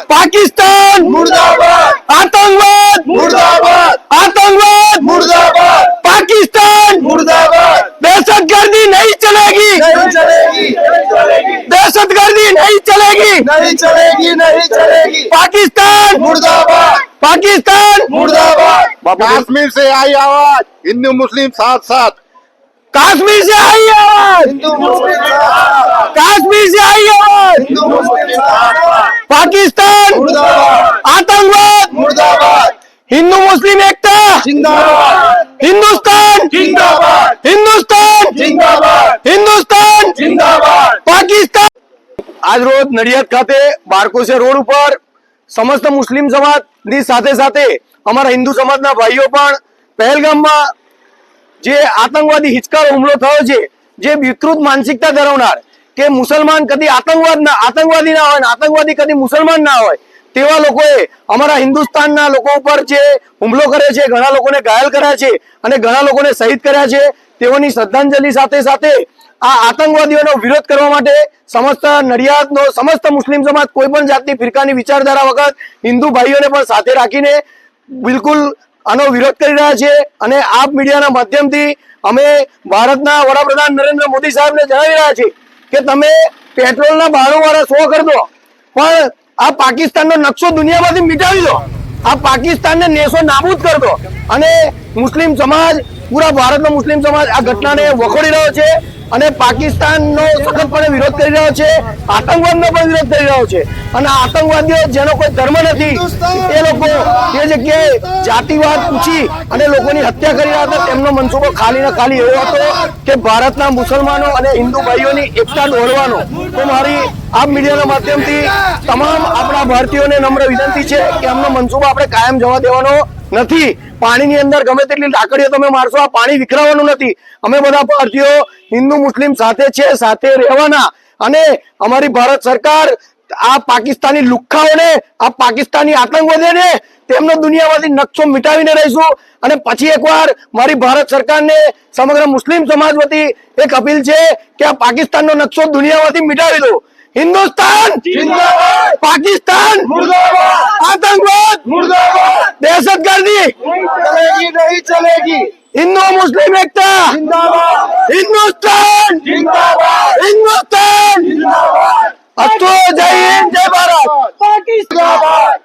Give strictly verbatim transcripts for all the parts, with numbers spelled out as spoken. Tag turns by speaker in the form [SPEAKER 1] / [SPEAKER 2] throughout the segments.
[SPEAKER 1] पाकिस्तान
[SPEAKER 2] मुर्दाबाद,
[SPEAKER 1] आतंकवाद
[SPEAKER 2] मुर्दाबाद,
[SPEAKER 1] आतंकवाद
[SPEAKER 2] मुर्दाबाद,
[SPEAKER 1] पाकिस्तान
[SPEAKER 2] मुर्दाबाद,
[SPEAKER 1] दहशतगर्दी नहीं चलेगी
[SPEAKER 2] नहीं चलेगी, नहीं चलेगी,
[SPEAKER 1] दहशतगर्दी नहीं चलेगी
[SPEAKER 2] नहीं चलेगी, नहीं चलेगी,
[SPEAKER 1] पाकिस्तान
[SPEAKER 2] मुर्दाबाद,
[SPEAKER 1] पाकिस्तान
[SPEAKER 2] मुर्दाबाद।
[SPEAKER 3] कश्मीर से आई आवाज, हिंदू मुस्लिम साथ साथ।
[SPEAKER 1] कश्मीर से आई आवाज
[SPEAKER 2] हिंदू मुस्लिम जिंदाबाद,
[SPEAKER 1] कश्मीर से आई आवाज
[SPEAKER 2] हिंदू मुस्लिम जिंदाबाद,
[SPEAKER 1] पाकिस्तान
[SPEAKER 2] मुर्दाबाद,
[SPEAKER 1] आतंकवाद
[SPEAKER 2] मुर्दाबाद,
[SPEAKER 1] हिंदू मुस्लिम एकता
[SPEAKER 2] जिंदाबाद,
[SPEAKER 1] हिंदुस्तान
[SPEAKER 2] जिंदाबाद,
[SPEAKER 1] हिंदुस्तान
[SPEAKER 2] जिंदाबाद,
[SPEAKER 1] हिंदुस्तान
[SPEAKER 2] जिंदाबाद।
[SPEAKER 1] पाकिस्तान आज रोज नડિયાદ ખાતે બારકોસે રોડ ઉપર સમસ્ત મુસ્લિમ સમાજની સાથે સાથે અમારા હિન્દુ સમાજના ભાઈઓ પણ પહેલગામમાં જે આતંકવાદી હિચકારો હુમલો થયો છે, જે વિકૃત માનસિકતા ધરાવનાર કે મુસલમાન કદી આતંકવાદ ના આતંકવાદી ના હોય, આતંકવાદી કદી મુસલમાન ના હોય તેવા લોકોએ અમારા હિન્દુસ્તાનના લોકો ઉપર જે હુમલો કર્યો છે, ઘણા લોકોને ઘાયલ કર્યા છે અને ઘણા લોકોને શહીદ કર્યા છે, તેઓની શ્રદ્ધાંજલિ સાથે સાથે આ આતંકવાદીઓનો વિરોધ કરવા માટે સમસ્ત નડિયાદનો સમસ્ત મુસ્લિમ સમાજ કોઈ પણ જાતની ફિરકાની વિચારધારા વગર હિન્દુ ભાઈઓને પણ સાથે રાખીને બિલકુલ આનો વિરોધ કરી રહ્યા છે અને આપ મીડિયાના માધ્યમથી અમે ભારતના વડાપ્રધાન નરેન્દ્ર મોદી સાહેબને જણાવી રહ્યા છીએ કે તમે પેટ્રોલના ભાડુવાળા સો કરી દો, પણ આ પાકિસ્તાનનો નકશો દુનિયામાંથી મિટાવી દો, આ પાકિસ્તાનને નેસો નાબૂદ કરી દો। અને મુસ્લિમ સમાજ પૂરા ભારતનો મુસ્લિમ સમાજ આ ઘટનાને વખોડી રહ્યો છે અને પાકિસ્તાનનો સખતપણે વિરોધ કરી રહ્યો છે, આતંકવાદનો પણ વિરોધ કરી રહ્યો છે અને આતંકવાદીઓ જેનો કોઈ ધર્મ નથી એ લોકો એ જગ્યાએ જાતિવાદ પૂછી અને લોકોની હત્યા કરી રહ્યા હતા, તેમનો મનસૂબો ખાલી ને ખાલી એવો હતો કે ભારતના મુસલમાનો અને હિન્દુ ભાઈઓની એકતા દોરવાનો। તો મારી આ મીડિયાના માધ્યમથી તમામ આપણા ભારતીયોને નમ્ર વિનંતી છે કે આમનો મનસૂબો આપણે કાયમ જવા દેવાનો નથી। પાણીની અંદર ગમે તેટલી લાકડીઓ તમે મારશો, આ પાણી વિખરાવાનું નથી। અમે બધા ભારતીયો હિન્દુ મુસ્લિમ સાથે છે, સાથે રહેવાના અને અમારી ભારત સરકાર આ પાકિસ્તાની લુખ્ખાઓને, આ પાકિસ્તાની આતંકવાદીઓને તેમનો દુનિયામાંથી નકશો મિટાવીને રહીશું। અને પછી એકવાર મારી ભારત સરકારને સમગ્ર મુસ્લિમ સમાજ વતી એક અપીલ છે કે આ પાકિસ્તાનનો નકશો દુનિયામાંથી મિટાવી દો। हिंदुस्तान
[SPEAKER 2] जिंदाबाद,
[SPEAKER 1] पाकिस्तान
[SPEAKER 2] मुर्दाबाद,
[SPEAKER 1] आतंकवाद
[SPEAKER 2] मुर्दाबाद,
[SPEAKER 1] दहशतगर्दी
[SPEAKER 2] नहीं चलेगी, नहीं चलेगी,
[SPEAKER 1] हिंदू मुस्लिम एकता
[SPEAKER 2] जिंदाबाद,
[SPEAKER 1] हिंदुस्तान
[SPEAKER 2] जिंदाबाद,
[SPEAKER 1] हिंदुस्तान
[SPEAKER 2] जिंदाबाद,
[SPEAKER 1] अस्तु जय हिंद जय भारत
[SPEAKER 2] पाकिस्तान।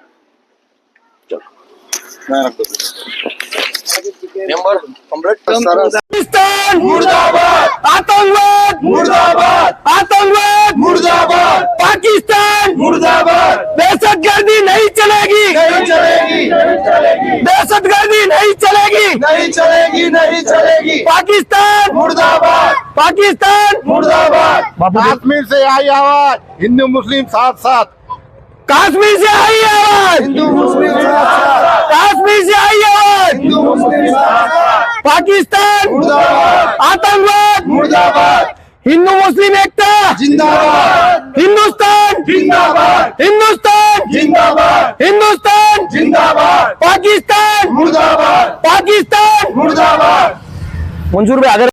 [SPEAKER 1] पाकिस्तान
[SPEAKER 2] मुर्दाबाद,
[SPEAKER 1] आतंकवाद
[SPEAKER 2] मुर्दाबाद,
[SPEAKER 1] आतंकवाद
[SPEAKER 2] मुर्दाबाद,
[SPEAKER 1] पाकिस्तान
[SPEAKER 2] मुर्दाबाद,
[SPEAKER 1] दहशतगर्दी नहीं चलेगी
[SPEAKER 2] नहीं चलेगी, नहीं चलेगी,
[SPEAKER 1] दहशतगर्दी नहीं चलेगी
[SPEAKER 2] नहीं चलेगी, नहीं चलेगी,
[SPEAKER 1] पाकिस्तान
[SPEAKER 2] मुर्दाबाद,
[SPEAKER 1] पाकिस्तान
[SPEAKER 2] मुर्दाबाद,
[SPEAKER 3] कश्मीर से आई आवाज, हिंदू मुस्लिम साथ साथ।
[SPEAKER 1] कश्मीर से आई आवाज
[SPEAKER 2] हिंदू मुस्लिम जिंदाबाद,
[SPEAKER 1] कश्मीर से आई आवाज
[SPEAKER 2] हिंदू मुस्लिम जिंदाबाद,
[SPEAKER 1] पाकिस्तान
[SPEAKER 2] मुर्दाबाद,
[SPEAKER 1] आतंकवाद
[SPEAKER 2] मुर्दाबाद,
[SPEAKER 1] हिंदू मुस्लिम एकता
[SPEAKER 2] जिंदाबाद,
[SPEAKER 1] हिंदुस्तान
[SPEAKER 2] जिंदाबाद,
[SPEAKER 1] हिंदुस्तान
[SPEAKER 2] जिंदाबाद,
[SPEAKER 1] हिंदुस्तान
[SPEAKER 2] जिंदाबाद,
[SPEAKER 1] पाकिस्तान
[SPEAKER 2] मुर्दाबाद,
[SPEAKER 1] पाकिस्तान
[SPEAKER 2] मुर्दाबाद।
[SPEAKER 1] मंजूर भाई आगे